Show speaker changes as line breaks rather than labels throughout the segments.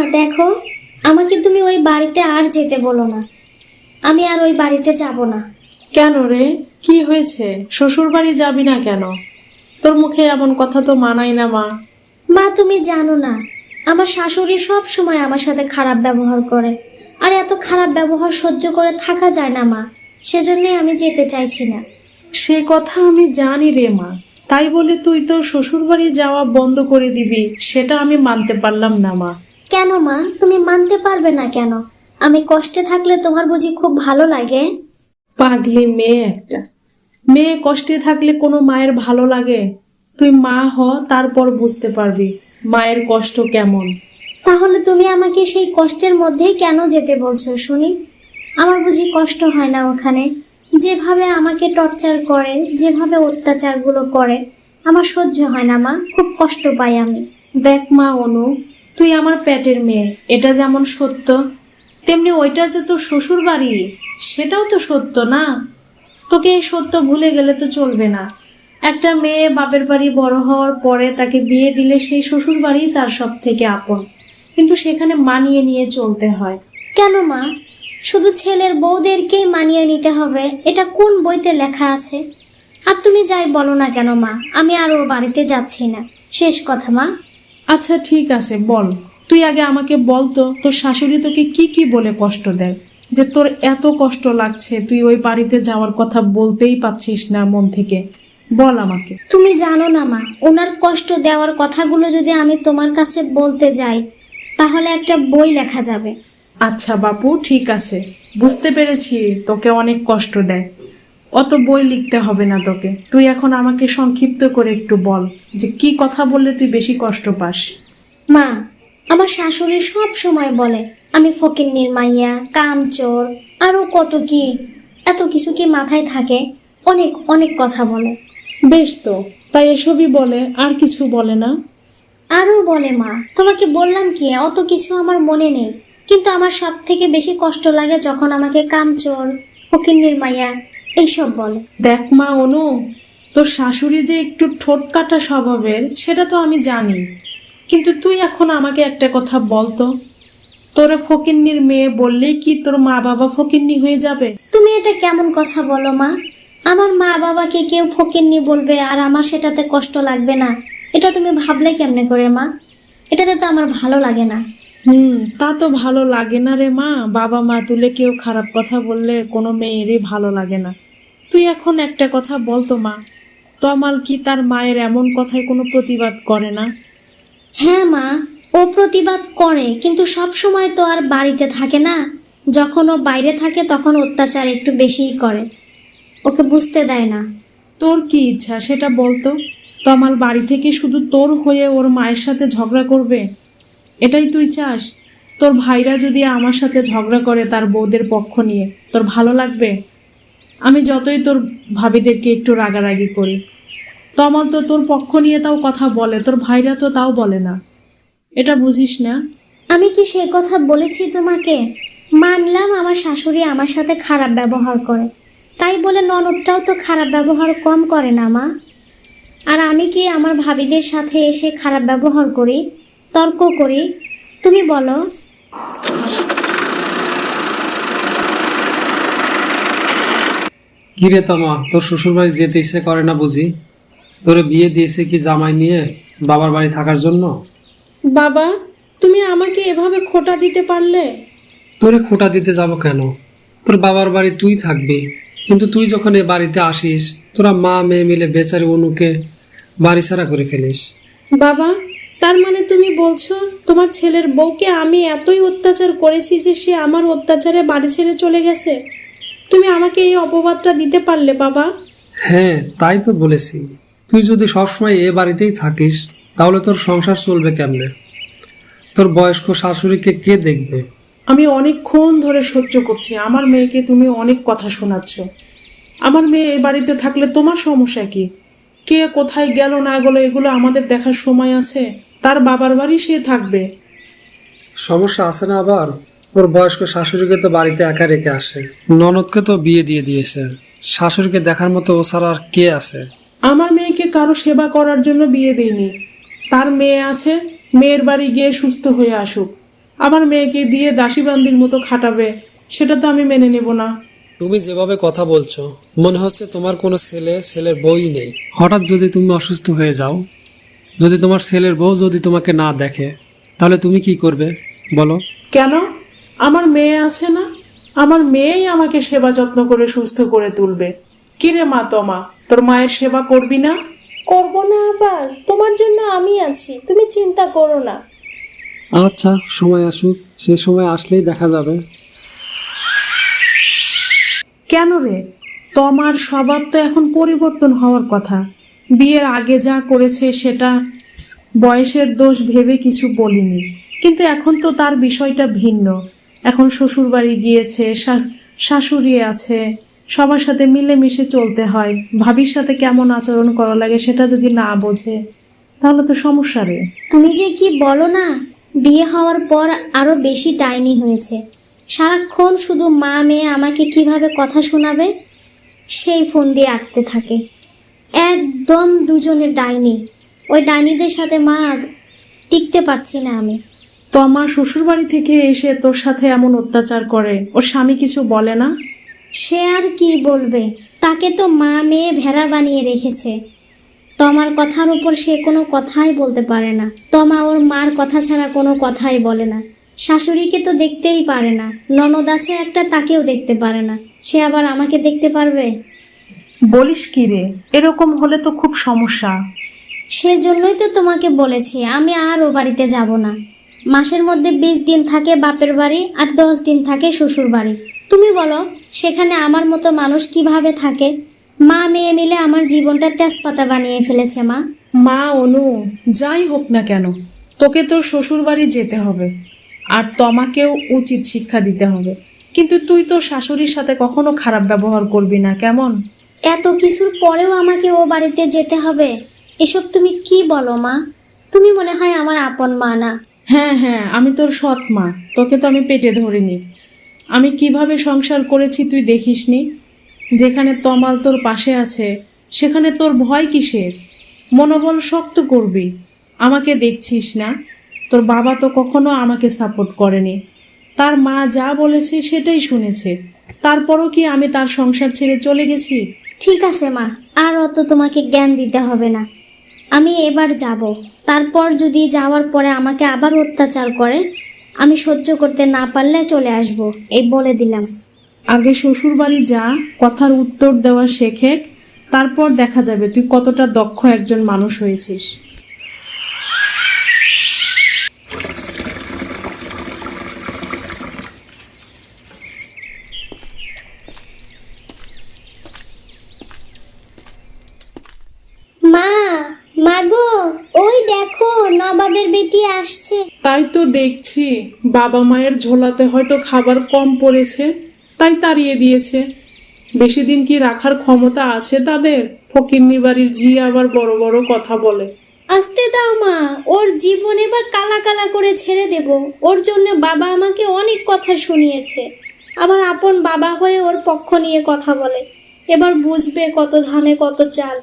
দেখো, আমাকে তুমি ওই বাড়িতে আর যেতে বলো না। আমি আর ওই বাড়িতে যাব না।
কেন রে, কি হয়েছে? শ্বশুর বাড়ি যাবি না কেন? তোর মুখে এমন কথা তো মানাই না মা।
মা, তুমি জানো না, আমার শাশুড়ি সব সময় আমার সাথে খারাপ ব্যবহার করে, আর এত খারাপ ব্যবহার সহ্য করে থাকা যায় না মা। সেজন্যই আমি যেতে চাইছি না।
সে কথা আমি জানি রে মা, তাই বলে তুই তোর শ্বশুর বাড়ি যাওয়া বন্ধ করে দিবি সেটা আমি মানতে পারলাম না মা।
কেন মা, তুমি মানতে পারবে না কেন? আমি কষ্টে থাকলে তোমার বুঝি খুব ভালো লাগে?
পাগলি মেয়ে একটা। মেয়ে কষ্টে থাকলে কোনো মায়ের ভালো লাগে? তুই মা হ, তারপর বুঝতে পারবি মায়ের কষ্ট কেমন।
তাহলে তুমি আমাকে সেই কষ্টের মধ্যেই কেন যেতে বলছো শুনি? আমার বুঝি কষ্ট হয় না ওখানে? যেভাবে আমাকে টর্চার করে, যেভাবে অত্যাচারগুলো করে, আমার সহ্য হয় না মা, খুব কষ্ট পাই আমি।
দেখ মা অনু, তুই আমার পেটের মেয়ে, এটা যেমন সত্য, তেমনি ওইটা যে তোর শ্বশুর বাড়ি সেটাও তো সত্য না? তোকে এই সত্য ভুলে গেলে তো চলবে না। একটা মেয়ে বাপের বাড়ি বড় হওয়ার পরে তাকে বিয়ে দিলে সেই শ্বশুর বাড়ি তার সব থেকে আপন, কিন্তু সেখানে মানিয়ে নিয়ে চলতে হয়।
কেন মা, শুধু ছেলের বউদেরকেই মানিয়ে নিতে হবে, এটা কোন বইতে লেখা আছে? আর তুমি যাই বলো না কেন মা, আমি আর ওর বাড়িতে যাচ্ছি না, শেষ কথা মা।
আচ্ছা ঠিক আছে, বল। তুই আগে আমাকে বল তো, তোর শাশুড়ি তোকে কি কি বলে কষ্ট দেয় যে তোর এত কষ্ট লাগছে, তুই ওই বাড়িতে যাওয়ার কথা বলতেই পাচ্ছিস না মন থেকে? বল আমাকে।
তুমি জানো না মা, ওনার কষ্ট দেওয়ার কথাগুলো যদি আমি তোমার কাছে বলতে যাই তাহলে একটা বই লেখা যাবে।
আচ্ছা বাপু, ঠিক আছে, বুঝতে পেরেছি তোকে অনেক কষ্ট দেয়। অত বই লিখতে হবে না তোকে, তুই এখন আমাকে সংক্ষিপ্ত করে একটু বল যে কি কথা বললে তুই বেশি কষ্ট পাস।
মা, আমার শাশুড়ি সব সময় বলে আমি ফকিন্নির মাইয়া, কামচোর, আরো কত কি, এত কিছু কি মাথায় থাকে? অনেক অনেক কথা বলে।
বেশ তো, তাই এসবই বলে, আর কিছু বলে না?
আরো বলে মা, তোমাকে বললাম কি, অত কিছু আমার মনে নেই, কিন্তু আমার সব থেকে বেশি কষ্ট লাগে যখন আমাকে কামচোর, ফকিন্নির মাইয়া এইসব বলে।
দেখ মা অনু, তোর শাশুড়ি যে একটু ঠোঁট কাটা স্বভাবের সেটা তো আমি জানি, কিন্তু তুই এখন আমাকে একটা কথা বল তো, তোরা ফকিন্নির মেয়ে বললেই কি তোর মা বাবা ফকিন্নি হয়ে যাবে?
তুমি এটা কেমন কথা বলো মা? আমার মা বাবাকে কেউ ফকিন্নি বলবে আর আমার সেটাতে কষ্ট লাগবে না, এটা তুমি ভাবলে কেমনে করে মা? এটাতে তো আমার ভালো লাগে না।
তা তো ভালো লাগে না রে মা, বাবা মা তুলে কেউ খারাপ কথা বললে কোনো মেয়েরই ভালো লাগে না। তুই এখন একটা কথা বল তো মা, তমাল কি তার মায়ের এমন কথায় কোনো প্রতিবাদ করে না?
হ্যাঁ মা, ও প্রতিবাদ করে, কিন্তু সব সময় তো আর বাড়িতে থাকে না। যখন ও বাইরে থাকে তখন অত্যাচার একটু বেশিই করে, ওকে বুঝতে দেয় না।
তোর কি ইচ্ছা সেটা বলতো? তমাল বাড়ি থেকে শুধু তোর হয়ে ওর মায়ের সাথে ঝগড়া করবে, এটাই তুই চাস? তোর ভাইরা যদি আমার সাথে ঝগড়া করে তার বউদের পক্ষ নিয়ে, তোর ভালো লাগবে? আমি যতই তোর ভাবিদেরকে একটু রাগারাগি করি, তমাল তো তোর পক্ষ নিয়ে তাও কথা বলে, তোর ভাইরা তো তাও বলে না। এটা বুঝিস না?
আমি কি সে কথা বলেছি তোমাকে? মানলাম আমার শাশুড়ি আমার সাথে খারাপ ব্যবহার করে, তাই বলে ননদটাও তো খারাপ ব্যবহার কম করে না মা। আর আমি কি আমার ভাবিদের সাথে এসে খারাপ ব্যবহার করি, তর্ক করি? তুমি বলো।
কিরে তমা, তোর শ্বশুর বাড়ি যেতে ইচ্ছে করে না বুঝি? তোরে বিয়ে দিয়েছে কি জামাই নিয়ে বাবার বাড়ি থাকার জন্য?
বাবা, তুমি আমাকে এভাবে খোঁটা দিতে পারলে?
তোরে খোঁটা দিতে যাব কেন? তোর বাবার বাড়ি তুই থাকবি, কিন্তু তুই যখন এ বাড়িতে আসিস তোরা মা মেয়ে মিলে বেচারি অনুকে বাড়ি ছাড়া করে ফেলিস।
বাবা, তার মানে তুমি বলছো তোমার ছেলের বউকে আমি এতই অত্যাচার করেছি যে সে আমার অত্যাচারে বাড়ি ছেড়ে চলে গেছে? তুমি আমাকে এই অপবাদটা দিতে পারলে বাবা?
হ্যাঁ, তাই তো বলেছি। তুই যদি সবসময় এ বাড়িতেই থাকিস তাহলে তোর সংসার চলবে কেমনে? তোর বয়স্ক শাশুড়িকে কে দেখবে?
আমি অনেকক্ষণ ধরে সহ্য করছি, আমার মেয়েকে তুমি অনেক কথা শোনাচ্ছ। আমার মেয়ে এ বাড়িতে থাকলে তোমার সমস্যা কি? কে কোথায় গেল না গেল এগুলো আমাদের দেখার সময় আছে? তার বাবার বাড়ি সে থাকবে।
সমস্যা আছে না আবার? ওর বয়স্ক শাশুড়িকে তো বাড়িতে একা রেখে আসে, ননদকে তো বিয়ে দিয়ে দিয়েছে, শাশুড়িকে দেখার মতো ও ছাড়া আর কে আছে?
আমার মেয়েকে কারো সেবা করার জন্য বিয়ে দেয়নি। তার মেয়ে আছে, মেয়ের বাড়ি গিয়ে সুস্থ হয়ে আসুক। আমার মেয়েকে দিয়ে দাসীবান্দির মতো খাটাবে, সেটা তো আমি মেনে নেব না।
তুমি যেভাবে কথা বলছো মনে হচ্ছে তোমার কোনো ছেলের বউই নেই। হঠাৎ যদি তুমি অসুস্থ হয়ে যাও, যদি তোমার ছেলের বউ যদি তোমাকে না দেখে, তাহলে তুমি কি করবে বলো?
কেন? আমার মেয়ে আছে না? আমার মেয়েই আমাকে সেবা যত্ন করে সুস্থ করে তুলবে। কিরে মা, তমা তোর মায়ের সেবা করবি না?
করবো না আবার? তোমার জন্য আমি আছি, তুমি চিন্তা করো না।
আচ্ছা, সময় আসুক, সে সময় আসলেই দেখা যাবে।
কেন রে? তোমার স্বভাব তো এখন পরিবর্তন হওয়ার কথা। বিয়ের আগে যা করেছে সেটা বয়সের দোষ ভেবে কিছু বলিনি, কিন্তু এখন তো তার বিষয়টা ভিন্ন। এখন শ্বশুর বাড়ি গিয়েছে, শাশুড়ি আছে, সবার সাথে মিলেমিশে চলতে হয়। ভাবির সাথে কেমন আচরণ করা লাগে সেটা যদি না বোঝে, তাহলে তো সমস্যা রে।
তুমি যে কি বলো না, বিয়ে হওয়ার পর আরো বেশি ডাইনি হয়েছে। সারাক্ষণ শুধু মা মেয়ে আমাকে কিভাবে কথা শোনাবে সেই ফোন দিয়ে আঁকতে থাকে। একদম দুজনের ডাইনি। ওই ডাইনিদের সাথে মা আর টিকতে পারছি না আমি।
তো আমার শ্বশুর বাড়ি থেকে এসে তোর সাথে এমন অত্যাচার করে, ওর স্বামী কিছু বলে না?
সে আর কি বলবে, তাকে তো মা মেয়ে ভেড়া বানিয়ে রেখেছে। তমার কথার উপর সে কোনো কথাই বলতে পারে না। তমা ওর মার কথা ছাড়া কোনো কথাই বলে না। শাশুড়িকে তো দেখতেই পারে না, ননদ আছে একটা, তাকেও দেখতে পারে না। সে আবার আমাকে দেখতে পারবে?
বলিস কি রে? এরকম হলে তো খুব সমস্যা।
সেজন্যই তো তোমাকে বলেছি আমি আর ও বাড়িতে যাব না। মাসের মধ্যে 20 দিন থাকে বাপের বাড়ি আর 10 দিন থাকে শ্বশুর বাড়ি। তুমি বলো সেখানে আমার মতো মানুষ কিভাবে থাকে? মা মেয়ে মিলে আমার জীবনটা তেজপাতা বানিয়ে ফেলেছে মা।
মা অনু, যাই হোক না কেন, তোকে তোর শ্বশুর বাড়ি যেতে হবে, আর তোমাকেও উচিত শিক্ষা দিতে হবে। কিন্তু তুই তোর শাশুড়ির সাথে কখনো খারাপ ব্যবহার করবি না, কেমন?
এত কিছুর পরেও আমাকে ও বাড়িতে যেতে হবে? এসব তুমি কি বলো মা? তুমি মনে হয় আমার আপন মা না?
হ্যাঁ হ্যাঁ, আমি তোর সৎ মা, তোকে তো আমি পেটে ধরিনি। আমি কিভাবে সংসার করেছি তুই দেখিসনি? যেখানে তমাল তোর পাশে আছে সেখানে তোর ভয় কিসের? মনোবল শক্ত করবি। আমাকে দেখছিস না? তোর বাবা তো কখনো আমাকে সাপোর্ট করেনি। তার মা যা বলেছে সেটাই শুনেছে, তারপরও কি আমি তার সংসার ছেড়ে চলে গেছি?
ঠিক আছে মা, আর অত তোমাকে জ্ঞান দিতে হবে না। আমি এবার যাব, তারপর যদি যাওয়ার পরে আমাকে আবার অত্যাচার করে আমি সহ্য করতে না পারলে চলে আসব, এই বলে দিলাম।
আগে শ্বশুর বাড়ি যা, কথার উত্তর দেওয়া শেখে, তারপর দেখা যাবে তুই কতটা দক্ষ একজন মানুষ হয়েছিস।
মা, মাগো, ওই দেখো নবাবের বেটি আসছে।
তাই তো দেখছি, বাবা মায়ের ঝোলাতে হয়তো খাবার কম পড়েছে, তাই তাড়িয়ে দিয়েছে। বেশি দিন কি রাখার ক্ষমতা আছে তাদের? ফকিন্নি বাড়ির ঝি আবার বড় বড় কথা বলে।
আসতে দাও মা, ওর জীবন এবার কালা কালা করে ছেড়ে দেব। ওর জন্য বাবা আমাকে অনেক কথা শুনিয়েছে, আবার আপন বাবা হয়ে ওর পক্ষ নিয়ে কথা বলে। এবার বুঝবে কত ধানে কত চাল।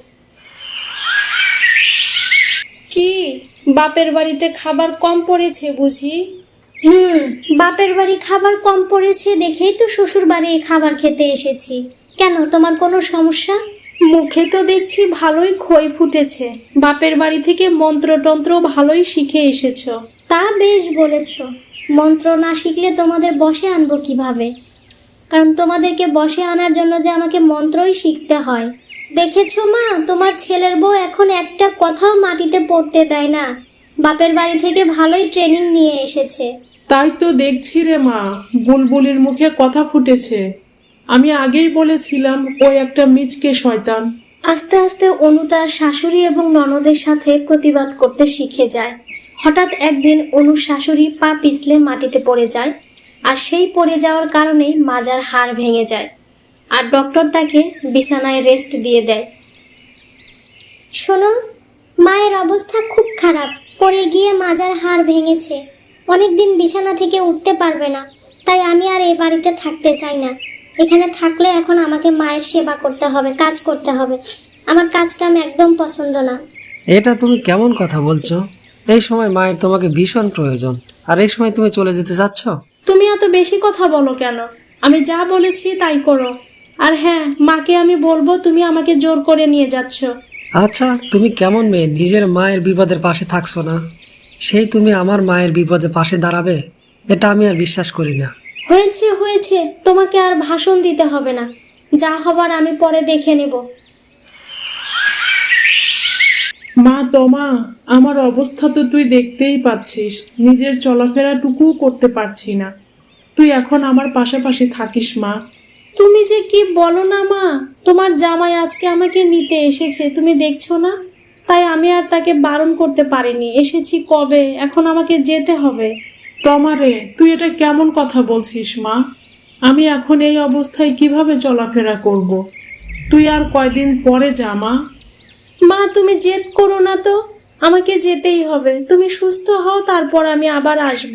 কি, বাপের বাড়িতে খাবার কম পড়েছে বুঝি?
বাপের বাড়ি খাবার কম পড়েছে দেখেই তো শ্বশুর বাড়ি খাবার খেতে এসেছি। কেন, তোমার কোনো সমস্যা?
মুখে তো দেখছি ভালোই খই ফুটেছে। বাপের বাড়ি থেকে মন্ত্রতন্ত্র ভালোই শিখে এসেছো।
তা বেশ বলেছ। মন্ত্র না শিখলে তোমাদের বশে আনবো কিভাবে? কারণ তোমাদেরকে বশে আনার জন্য যে আমাকে মন্ত্রই শিখতে হয়। দেখেছো মা, তোমার ছেলের বউ এখন একটা কথাও মাটিতে পড়তে দেয় না। বাপের বাড়ি থেকে ভালোই ট্রেনিং নিয়ে এসেছে।
তাই তো দেখছি রে মা, বুলবুলির মুখে কথা ফুটেছে। আমি আগেই বলেছিলাম ওই একটা মিচকে শয়তান।
আস্তে আস্তে অনু তার শাশুড়ি এবং ননদের সাথে প্রতিবাদ করতে শিখে যায়। হঠাৎ একদিন অনুর শাশুড়ি পা পিছলে মাটিতে পড়ে যায়, আর সেই পড়ে যাওয়ার কারণেই মাজার হাড় ভেঙে যায়, আর ডক্টর তাকে বিছানায় রেস্ট দিয়ে দেয়। শোনো, মায়ের অবস্থা খুব খারাপ, পড়ে গিয়ে মাজার হাড় ভেঙেছে, অনেকদিন বিছানা থেকে উঠতে পারবে না। তাই আমি আর এই বাড়িতে থাকতে চাই না। এখানে থাকলে এখন আমাকে মায়ের সেবা করতে হবে, কাজ করতে হবে। আমার কাজ কাম একদম পছন্দ না।
এটা তুমি কেমন কথা বলছো? এই সময় মায়ের তোমাকে ভীষণ প্রয়োজন, আর এই সময় তুমি চলে যেতে চাচ্ছ?
তুমি এত বেশি কথা বলো কেন? আমি যা বলেছি তাই করো। আর হ্যাঁ, মাকে আমি বলবো তুমি আমাকে জোর করে নিয়ে যাচ্ছ।
আচ্ছা, তুমি কেমন মেয়ে, নিজের মায়ের বিপদের পাশে থাকছো না, সেই তুমি আমার মায়ের বিপদে পাশে দাঁড়াবে? এটা আমি আর বিশ্বাস করি না।
হয়েছে হয়েছে, তোমাকে আর ভাষণ দিতে হবে না, যা হবার আমি পরে দেখে নেব।
মা তোমা, আমার অবস্থা তো তুই দেখতেই পাচ্ছিস, নিজের চলাফেরাটুকুও করতে পারছি না। তুই এখন আমার পাশাপাশি থাকিস মা।
তুমি যে কি বলো না মা, তোমার জামাই আজকে আমাকে নিতে এসেছে, তুমি দেখছো না? তাই আমি আর তাকে বারণ করতে পারিনি। এসেছি কবে, এখন আমাকে যেতে হবে।
তোমারে, তুই এটা কেমন কথা বলছিস মা? আমি এখন এই অবস্থায় কিভাবে চলাফেরা করব? তুই আর কয়দিন পরে যা মা।
মা তুমি জেদ করো না তো, আমাকে যেতেই হবে। তুমি সুস্থ হও, তারপর আমি আবার আসব।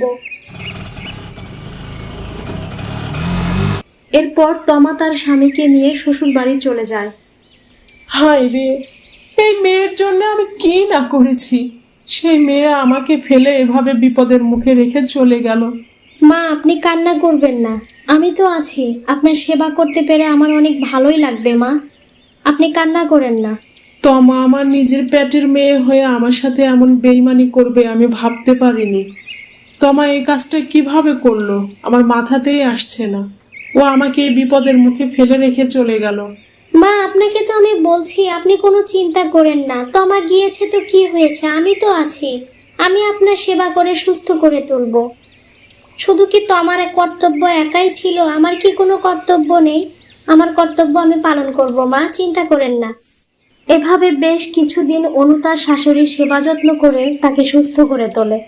এরপর তমা তার স্বামীকে নিয়ে শ্বশুর বাড়ি চলে যায়।
হায় রে, এই মেয়ের জন্য আমি কি না করেছি। সেই মেয়ে আমাকে ফেলে এভাবে বিপদের মুখে রেখে চলে গেল।
মা, আপনি কান্না করবেন না, আমি তো আছি। আপনার সেবা করতে পেরে আমার অনেক ভালোই লাগবে মা, আপনি কান্না করেন না।
তমা আমার নিজের পেটের মেয়ে হয়ে আমার সাথে এমন বেইমানি করবে আমি ভাবতে পারিনি। তমা এই কাজটা কিভাবে করলো আমার মাথাতেই আসছে না। ও আমাকে এই বিপদের মুখে ফেলে রেখে চলে গেল।
মা, আপনাকে তো আমি বলছি আপনি কোনো চিন্তা করেন না, তমা গিয়েছে তো কি হয়েছে, আমি তো আছি। আমি আপনার সেবা করে সুস্থ করে তুলব। শুধু কি তমার কর্তব্য একাই ছিল? আমার কি কোনো কর্তব্য নেই? আমার কর্তব্য আমি পালন করব মা, চিন্তা করেন না। এভাবে বেশ কিছুদিন অনু তার শাশুড়ির সেবা যত্ন করে তাকে সুস্থ করে তোলে।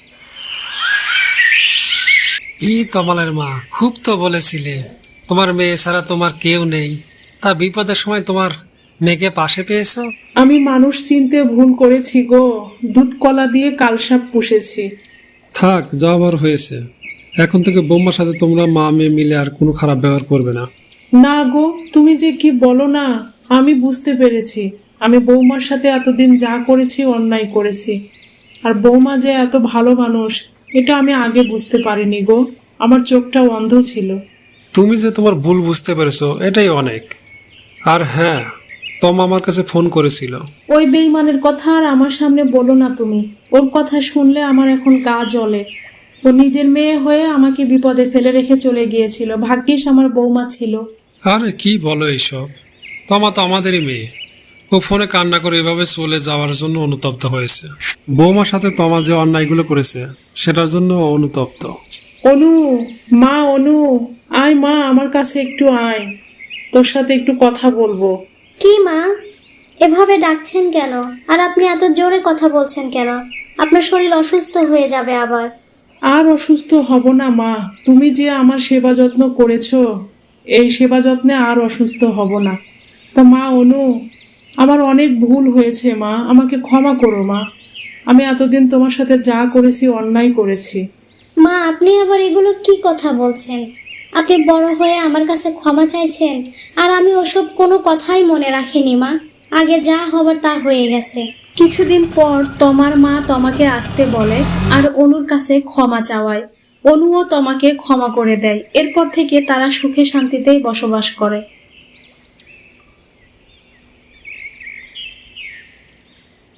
ই তমালের মা, খুব তো বলেছিলে তোমার মেয়ে ছাড়া তোমার কেউ নেই, তা বিপদের সময় তোমার মেয়েকে পাশে পেয়েছো।
আমি মানুষ চিনতে ভুল করেছি গো, দুধ কলা দিয়ে কালসাপ পুষেছি।
থাক, যা হবার হয়েছে। এখন থেকে বৌমার সাথে তোমরা মা মেয়ে মিলে আর কোনো খারাপ ব্যবহার করবে না।
না গো, তুমি যে কি বলো না, আমি বুঝতে পেরেছি। আমি বৌমার সাথে এতদিন যা করেছি অন্যায় করেছি। আর বৌমা যে এত ভালো মানুষ এটা আমি আগে বুঝতে পারিনি গো, আমার চোখটা অন্ধ ছিল।
তুমি যে তোমার ভুল বুঝতে পেরেছো এটাই অনেক। আর হ্যাঁ, তমা আমার কাছে ফোন করেছিল।
ওই বেইমানের কথা আর আমার সামনে বলো না তুমি। ওর কথা শুনলে আমার এখন গা জ্বলে। ও নিজের মেয়ে হয়ে আমাকে বিপদে ফেলে রেখে চলে গিয়েছিল। ভাগ্যিস আমার বৌমা ছিল।
আরে কি বলো এইসব, তমা তো আমাদেরই মেয়ে। ও ফোনে কান্না করে এভাবে চলে যাওয়ার জন্য অনুতপ্ত হয়েছে। বৌমার সাথে তমা যে অন্যায়গুলো করেছে সেটার জন্য ও অনুতপ্ত।
অনু, মা অনু, আয় মা, আমার কাছে একটু আয়, তোর সাথে একটু কথা বলবো।
কি মা, এভাবে ডাকছেন কেন? আর আপনি এত জোরে কথা বলছেন কেন? আপনার শরীর অসুস্থ হয়ে যাবে আবার।
আর অসুস্থ হব না মা, তুমি যে আমার সেবা যত্ন করেছো, এই সেবা যত্নে আর অসুস্থ হব না। তা মা অনু, আমার অনেক ভুল হয়েছে মা, আমাকে ক্ষমা করো মা। আমি এতদিন তোমার সাথে যা করেছি অন্যায় করেছি।
মা, আপনি আবার এগুলো কি কথা বলছেন? আপনি বড় হয়ে আমার কাছে ক্ষমা চাইছেন, আর আমি ওসব কোনো কথাই মনে রাখিনি মা। আগে যা হবার তা হয়ে গেছে।
কিছুদিন পর তমার মা তমাকে আসতে বলে আর অনুর কাছে ক্ষমা চাওয়ায়। অনুও তমাকে ক্ষমা করে দেয়। এরপর থেকে তারা সুখে শান্তিতেই বসবাস করে।